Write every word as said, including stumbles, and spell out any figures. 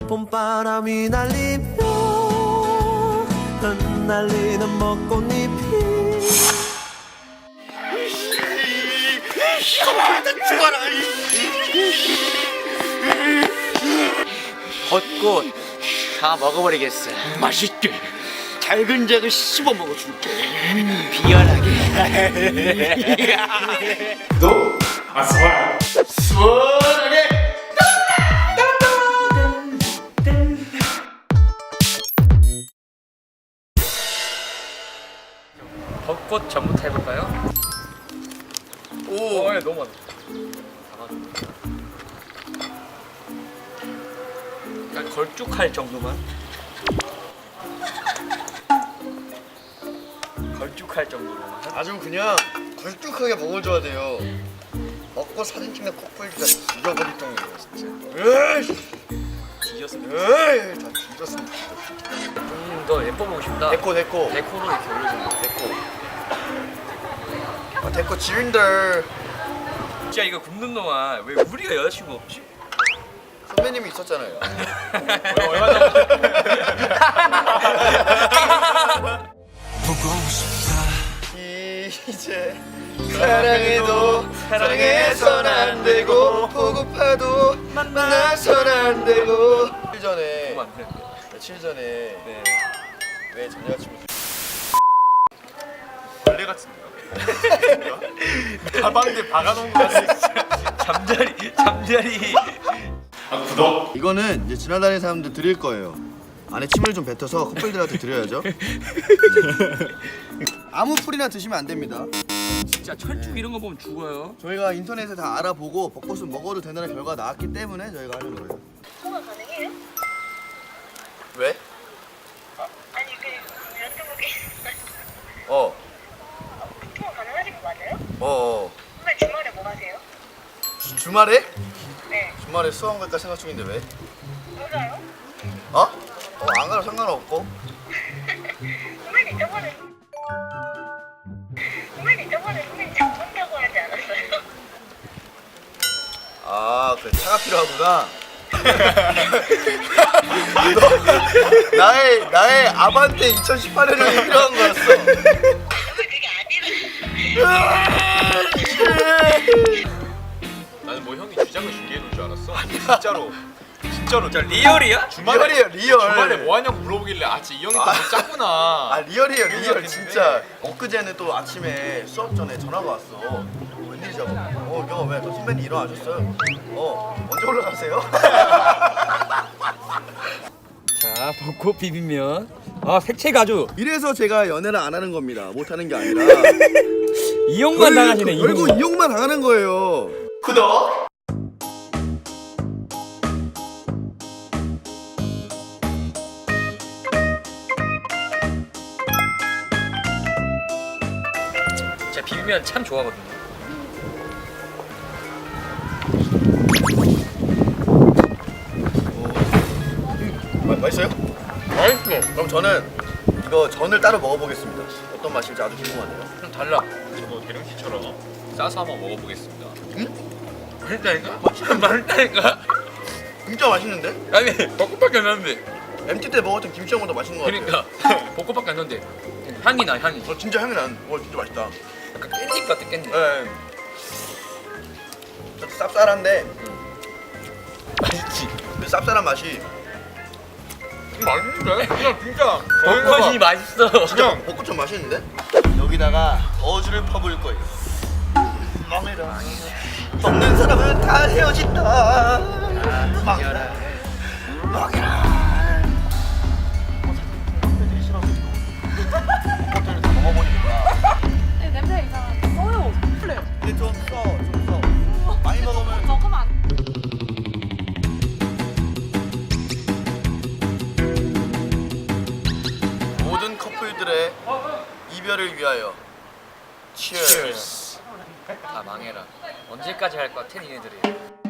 봄바람이 날리며 흩날리는 벚꽃잎이 죽어라. 벚꽃 다 먹어버리겠어. 맛있게 작은 작은 씹어 먹어줄게. 비열하게. 너? 아 좋아요. 수월하게. 벚꽃 전부터 해볼까요? 오, 어, 예, 너무 많아. 약간 걸쭉할 정도만. 걸쭉할 정도로만. 아주 그냥 걸쭉하게 먹어줘야 돼요. 먹고 사진 찍는 커플들가 죽여버릴 정도로 진짜. 에이, 뒤졌으면 에이, 다 뒤졌으면. 좀 더 예뻐 보고 싶다. 데코 데코 데코로 이렇게 올려주는 거. 데코. 아, 데코 지린들. 진짜 이거 굽는 동안 왜 우리가 여자친구 없지? 선배님이 있었잖아요. 얼마 전 이제 사랑해도 사랑해선 안 되고 보고파도 만나선 안 되고. 며칠 전에 너무 안 되는데. 며칠 전에 네. 왜 전 여자친구 벌레 같은데요? 가방에 박아놓은 거 같아. 잠자리 잠자리. 아 구독. 이거는 이제 지나다니는 사람들 드릴 거예요. 안에 침을 좀 뱉어서 커플들한테 드려야죠. 아무 풀이나 드시면 안 됩니다. 진짜 철쭉 이런 거 보면 죽어요. 저희가 인터넷에 다 알아보고 벚꽃은 먹어도 된다는 결과가 나왔기 때문에 저희가 하는 거예요. 통화 가능해요? 왜? 아니 그 여쭤보기 어, 통화 가능하신 거 맞아요? 어, 어. 선배 주말에 뭐 하세요? 주, 주말에? 네 주말에 수원 갈까 생각 중인데 왜? 맞아요? 어? 어, 안 가도 상관없고. 선배님 저번에 선배님 저번에 선배님 잡는다고 하지 않았어요? 아, 그래 차가 필요하구나. 너, 나의 나의 아반떼 이천십팔 년이 필요한 거였어. 선배 그게 아니라 나는 뭐 형이 주장을 준비해 놓을 줄 알았어. 진짜로. 진짜로. 자 리얼이야? 주말에 리얼이에요, 리얼. 주말에 뭐 하냐고 물어보길래 아, 진짜 이 형이 또뭐 짰구나. 아, 리얼이에요, 리얼. 생각했는데. 진짜 엊그제는 또 아침에 수업 전에 전화가 왔어. 웬일이자고. 어, 형 왜? 또 선배님 일어나셨어요? 어, 언제 올라가세요? 자 벚꽃 비빔면. 아 색채가 아주 이래서 제가 연애를 안 하는 겁니다. 못 하는 게 아니라. 이용만 당하시네. 결국 이용만. 이용만 당하는 거예요. 구독. 제가 비빔면 참 좋아하거든요. 마, 맛있어요? 맛있어. 그럼 저는 이거 전을 따로 먹어보겠습니다. 어떤 맛일지 아주 궁금하네요. 좀 달라. 저도 대령씨처럼 싸서 한번 먹어보겠습니다. 맛있다니까? 맛있다니까? 진짜 맛있는데? 아니 벚꽃밖에 안 나는데. 엠티 때 먹었던 김치전보다 맛있는 것 같아요. 그러니까 벚꽃밖에 안 나는데 향이 나 향이. 어, 진짜 향이 나는. 어, 진짜 맛있다. 약간 깻잎 같아 깻잎. 네. 좀 쌉쌀한데 맛있지. 그 쌉쌀한 맛이 맛있는데? 그냥 진짜. 벚꽃이 맛있어. 진짜 벚꽃 좀 맛있는데? 여기다가 어주를 퍼부을 거예요. 맘에라 먹는 사람은 다 헤어진다. 먹여라 먹여라. 벚꽃을 다 먹어보니까 네, 냄새 이상한데 써요. 플레. 근데 좀 써, 좀 써. 많이 먹으면 먹으면 안 모든 커플들의 이별을 위하여. Cheers. 다 망해라. 언제까지 할 거야 테니네들이.